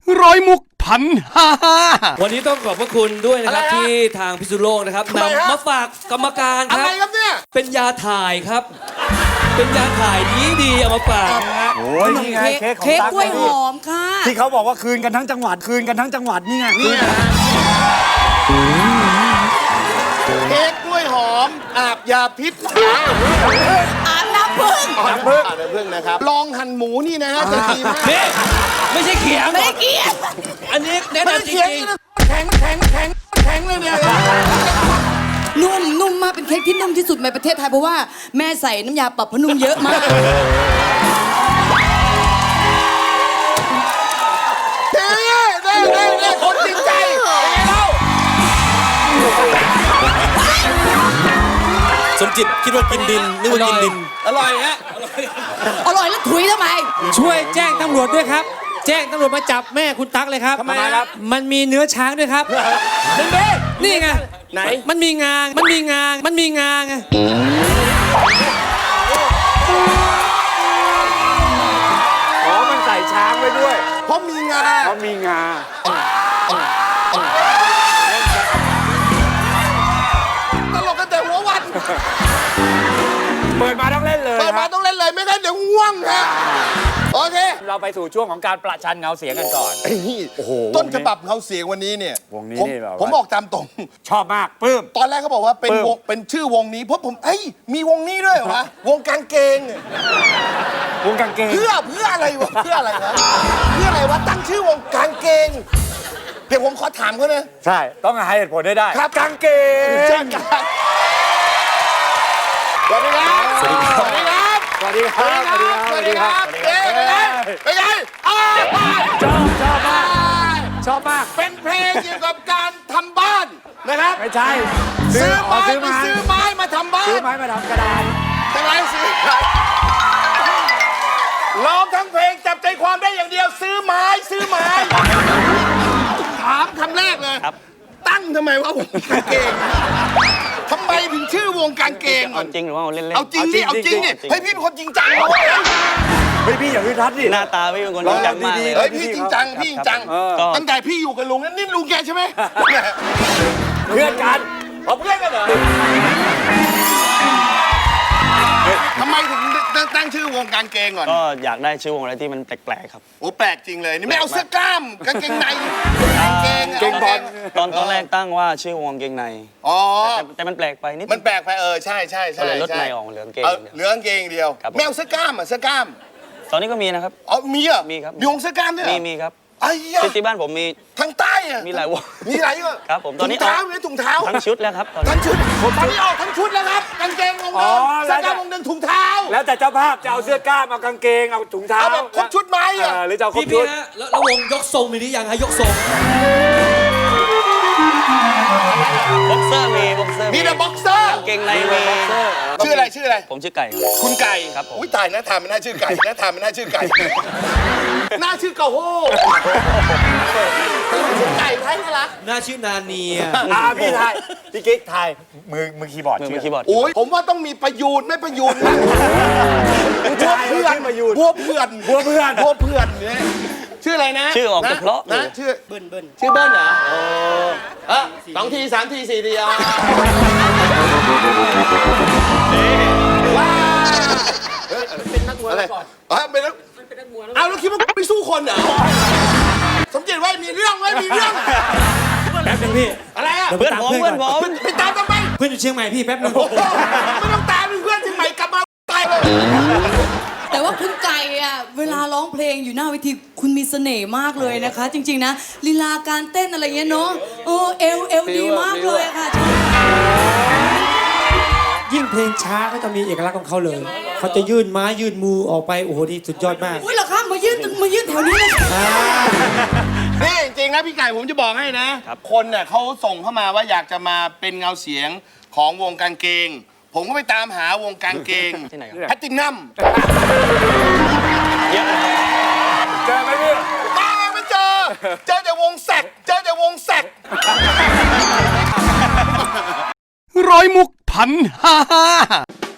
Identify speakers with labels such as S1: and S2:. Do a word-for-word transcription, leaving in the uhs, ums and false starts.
S1: ร้อยมุกพันห้า
S2: วันนี้ต้องขอบพระคุณด้วยนะครับที่ทางพิษณุโลกนะครับนำมาฝากกรรมการครับ
S3: อะไรครับเนี่ย
S2: เป็นยาถ่ายครับ เป็นยาถ่ายดีดีเอามาฝากนะฮะ
S4: โอ้ยนี่ไงเค้กของ
S5: เค้ก
S4: ตั๊ก
S5: กล้วยหอมค่ะ
S4: ที่เขาบอกว่าคืนกันทั้งจังหวัดคืนกันทั้งจังหวัดนี่ไง
S3: นี่นะเค้กกล้วยหอมอาบยาพิษ
S5: อาบน้ำผึ้ง
S3: น้ำผึ้งน้ำผึ้งนะครับลองหั่นหมูนี่นะฮะจะดีมาก
S2: นี่ไม่ใช่เขียง
S5: ไม่ได้เกี่ยว
S2: อันนี้แนะ
S3: ไม่
S2: นำจ
S3: เคียง
S2: ริง
S3: นะแข็งแข็งแข็งแข็งเลยเนี่ย
S5: นุ่มนุ่มมากเป็นเค้กที่นุ่มที่สุดในประเทศไทยเพราะว่าแม่ใส่น้ำยาปรับผ้านุ่มเยอะมาก
S3: เด้เด้เด้เด้คนจริงใจเป็นไงเล่า
S2: สมจิตคิดว่ากินดินนึกว่ากินดิน
S3: อร่อยฮะ
S5: อร่อยแล้วถุยทำไม
S6: ช่วยแจ้งตำรวจด้วยครับ แจ้งตำรวจมาจับแม่คุณตั๊กเลยครับ
S3: ทำไมครับ
S6: มันมีเนื้อช้างด้วยครับ นี่ไง
S3: ไหน
S6: มันมีงา มันมีงา มันมีงาไง
S4: อ๋อมันใส่ช้างไว้ด้วย
S3: เพราะมีงา
S4: เพราะมีงา
S3: ตลกกันแต่หัววัน
S4: เปิดมาต้องเล่นเลย
S3: เปิด
S4: ค
S3: มา
S4: รับ
S3: ต้องเล่นเลยไม่งั้นเดี๋ยวง่วงฮะโอเค
S4: เราไปสู่ช่วงของการประชันเงาเสียงกันก่อน โอ้โห
S3: ต้นฉบับเขาเสียงวันนี้เนี่ยว
S4: งนี้
S3: ผม
S4: นี่แบบว่า
S3: ผมบอกตามตรง
S4: ชอบมากปลื้ม
S3: ตอนแรกเขาบอกว่าเป็น
S4: ปลื้ม
S3: วงเป็นชื่อวงนี้เพราะผมเอ้ยมีวงนี้ด้วยเหรอวะวงกางเกง
S4: วงกางเกง
S3: เพื่อเพื่ออะไรวะเพื่ออะไรวะเพื่ออะไรวะตั้งชื่อวงกางเกงเดี๋ยวผมขอถามเขานะ
S4: ใช่ต้องให้เหตุผลได้ได้
S3: ครับ
S4: กางเกง
S3: เช่นกันสวัสดีครับสวัสดีครับ
S4: สวัสดีครับสวัสดีครับ
S3: สวัสดีครับเอ๊ะเป็นไงเป็นไงอ้าว
S4: ชอบชอบมากชอบมาก
S3: เป็นเพลงเกี่ยวกับการทำบ้านนะครับ
S4: ไม่ใช่
S3: ซื้อ
S4: อ๋
S3: ไม้
S4: ซื้อ
S3: ไป
S4: ไม้
S3: ซื้อไม้มาทำบ้า
S4: ซื้อน ไม้มาทำกระดาน
S3: ทำไมซื้อร้องทั้งเพลงจับใจความได้อย่างเดียวซื้อไม้ซื้อไม้ถามคำแรกเลยตั้งทำไมว่าวงกางเกงทำไมถึงชื่อวงกางเกงก่อน
S7: จริงหรือว่าเอาเล่นๆ
S3: เอาจริงดิเอาจริงดิเฮ้ยพี่เป็นคนจริงจังนะเว้ย
S4: เฮ้ยพี่อย่าพึ่งทัดดิ
S7: หน้าตาพี่เป็นคนจริงจังมากเลย
S3: เฮ้ยพี่จริงจังพี่จริงจัง
S7: ก็
S3: ตั้งแต่พี่อยู่กับลุงนั่นนี่ลุงแกใช่ไหม
S4: เพื่อนกัน
S3: เอาเพื่อนกันเหรอทำไมถึงตั้งชื่อวงกางเกงก่อน
S7: ก็อยากได้ชื่อวงอะไรที่มันแปลกๆครับ
S3: โอ้แปลกจริงเลยนี่ไม่เอาเสื้อกล้ามกางเกงในกางเกง
S4: เกงบอล
S7: ตอนตอนแรกตั้งว่าชื่อวงเกงใน
S3: อ๋อ
S7: แต่แต่มันแปลกไปนิด
S3: มันแปลกไปเออใช่ใช่
S7: ก็
S3: ใช่
S7: เลยลด
S3: ใช่
S7: ในออกเหลืองเกง
S3: เอา
S7: เดียว
S3: เหลืองกางเกงเดียว
S7: ครับผม
S3: ไม่เอาเสื้อกล้ามอ่ะเสื้อกล้าม
S7: ตอนนี้ก็มีนะครับ
S3: อ๋อมีเหรอ่ะ
S7: มีครับ
S3: มีวงเสื้อกล้ามด้วยเหร
S7: มี
S3: อ
S7: มีครับ
S3: ไอ้ยะ
S7: ที่ที่บ้านผมมี
S3: ทางใต้อ่ะ
S7: มีหลายวง
S3: มีหลายอ่ะ
S7: ครับผมตอนนี้
S3: ถุงเท้ามีถุงเท้า
S7: ทั้งชุดแล้วครับตอนนี้
S3: ทั้งชุดตอนนี้ออกทั้งชุดแล้วครับกางเกงวง
S4: อ๋
S3: เดิ
S4: อ
S3: ม
S4: แล้
S3: เสื้
S4: ว
S3: อกล้ามวงเดิมถุงเท้า
S4: แล้วแต่เจ้าภาพจะเอาเสื้อกล้ามเอากางเกงเอาถุงเท้า
S3: เอาแบบครบชุดไหม
S4: เอ
S3: อ่ะ
S4: อหรือจะเอาครบ
S2: พี่
S4: ชุ
S2: พี่
S4: ด
S2: ฮะแล้วแล้ววงยกทรงมีหรือยังฮะยกทรง
S7: บ็อกเซอร์มีบ็อกเซอร์
S3: มีแต่บ็อกเซอร์
S7: กางเกงในมี
S3: ชื่ออะไรชื่ออะไร
S7: ผมชื่อไก่ครับ
S3: คุณไก่
S7: ครับผม
S3: อุ้ยตายนะทามไม่น่าชื่อไก่นะทามไม่น่าชื่อไก่น่าชื่อกะโฮชื่อไก่ไทยน่ารัก
S2: น่าชื่อนาเนีย
S4: อ่าพี่ทายพี่กิ๊กทายมือมือคีย์บอร์ด
S7: มือ
S4: ชื่
S7: มือคีย์บอร์ด
S3: โอ้ยผมว่าต้องมีประยูนไม่ประยูนนะ
S4: ผู้ชายชื่อประยูน
S3: บัวเพื่อน
S4: บัวเพื่อน
S3: บัวเพื่อนเนี่ยชื่ออะไรนะ
S7: ชื่อออกจะเพราะ
S3: นะชื่อเบิ้ลเบิ้ลชื่อเบิ้ลเหรอโอ้เออสองทีสามทีสี่ทีอ่ะว้าเป็นนักมวยก่อนเออเป็นนักเอาแล้วคิดว่าไปสู้คนเหรอสมจิตไว้มีเรื่องไว้มีเรื่อง
S6: แป๊บนึงพี่
S3: อะไรอ่ะ
S7: เพื่อนผมเพื่อนผม
S3: ไปตามทำไม
S6: เพื่อนอยู่เชียงใหม่พี่แป๊บนึง
S3: โอ้โหไม่ต้องตามเป็นเพื่อนที่ใหม่กลับมาตายเลย
S5: แต่ว่าคุณไก่อะเวลาร้องเพลงอยู่หน้าเวทีคุณมีเสน่ห์มากเลยนะคะ จริง ๆ นะลีลาการเต้นอะไรเงี้ยเนาะเออเอวเอวดีมากเลยอะค่ะ
S6: ยิ่งเพลงช้าก็จะมีเอกลักษณ์ของเขาเลย เขาจะยื่นไม้ยื่นมือออกไปโอ้โหนี่สุดยอดมาก
S5: อุ้ยเหรอคะมายื่นมายื่นแถวนี้เลย
S3: นี่จริงๆนะพี่ไก่ผมจะบอกให้นะ คนเนี่ยเขาส่งเข้ามาว่าอยากจะมาเป็นเงาเสียงของวงกางเกง ผมก็ไปตามหาวงกางเกง
S7: ที่ไหนครับ
S3: แพตตินัม
S7: เยอะนะครับ
S4: เจอไหมพี่
S3: ตามไม่เจอ เจอแต่วงแสกเจอแต่วงแสก
S1: ร้อยมุกพันห้า